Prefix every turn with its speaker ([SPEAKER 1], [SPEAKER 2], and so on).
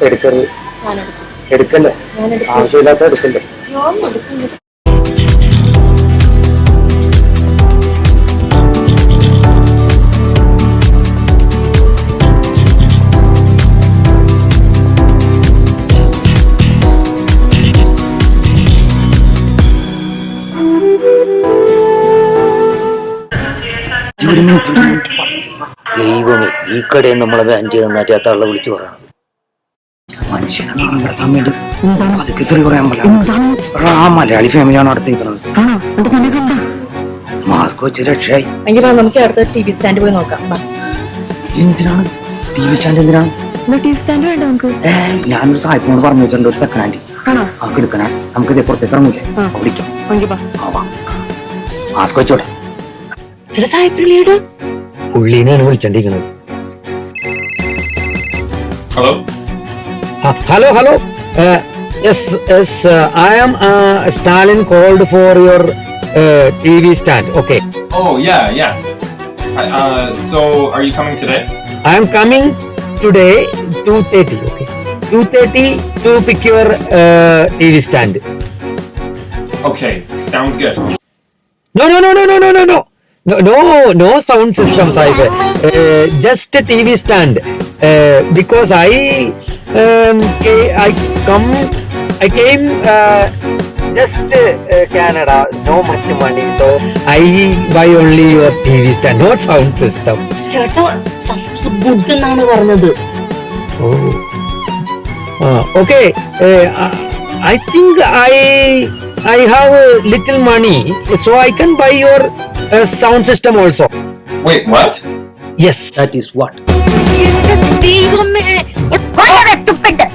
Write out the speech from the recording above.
[SPEAKER 1] എടുക്കരുത്. എടുക്കല്ലേ, ആവശ്യമില്ലാത്ത എടുക്കല്ലേ.
[SPEAKER 2] ദൈവമേ, ഈ കടയിൽ നമ്മളെ ബാൻ ചെയ്ത് നന്നായിട്ട് ആ തള്ള വിളിച്ചു പറയണം. മനുഷ്യനെ നാണം കിടത്താൻ വേണ്ടി അതൊക്കെ തെറി പറയാൻ പറ്റില്ല. ആ മലയാളി ഫാമിലിയാണ് അടുത്തേക്കുന്നത്. മാസ്ക് വെച്ച് രക്ഷയായി.
[SPEAKER 3] നമുക്ക് അടുത്ത ടി.വി. സ്റ്റാൻഡ് പോയി നോക്കാം.
[SPEAKER 2] എന്തിനാണ് ടി.വി. സ്റ്റാൻഡ്? എന്തിനാണ്
[SPEAKER 3] ടി.വി. സ്റ്റാൻഡ് വേണ്ട നമുക്ക്?
[SPEAKER 2] ഞാനൊരു സാഹിബിനോട് പറഞ്ഞു വെച്ചിട്ടുണ്ട്, ഒരു സെക്കൻഡ് ഹാൻഡ് ആ എടുക്കണേ. നമുക്ക് ഇതേ പുറത്തേക്ക് ഇറങ്ങൂലേ, വിളിക്കാം. മാസ്ക് വെച്ചോട്ടെ. പുള്ളീനെയാണ് വിളിച്ചോണ്ടിരിക്കുന്നത്. Hello. Yes. I am Stalin called for your TV stand. Okay.
[SPEAKER 4] Oh yeah. So are you coming today?
[SPEAKER 2] I am coming today 2:30. Okay. 2:30 to pick your TV stand.
[SPEAKER 4] Okay, sounds good.
[SPEAKER 2] No sound system, Sahib. Just a TV stand. Because I came just Canada, no much money, so I buy only your TV stand, not sound system.
[SPEAKER 3] ചേട്ടാ subs good എന്നാണ് പറഞ്ഞത്.
[SPEAKER 2] Okay. I think I have a little money, so I can buy your sound system also.
[SPEAKER 4] Wait, what?
[SPEAKER 2] Yes, that is what.
[SPEAKER 3] ദൈവമേ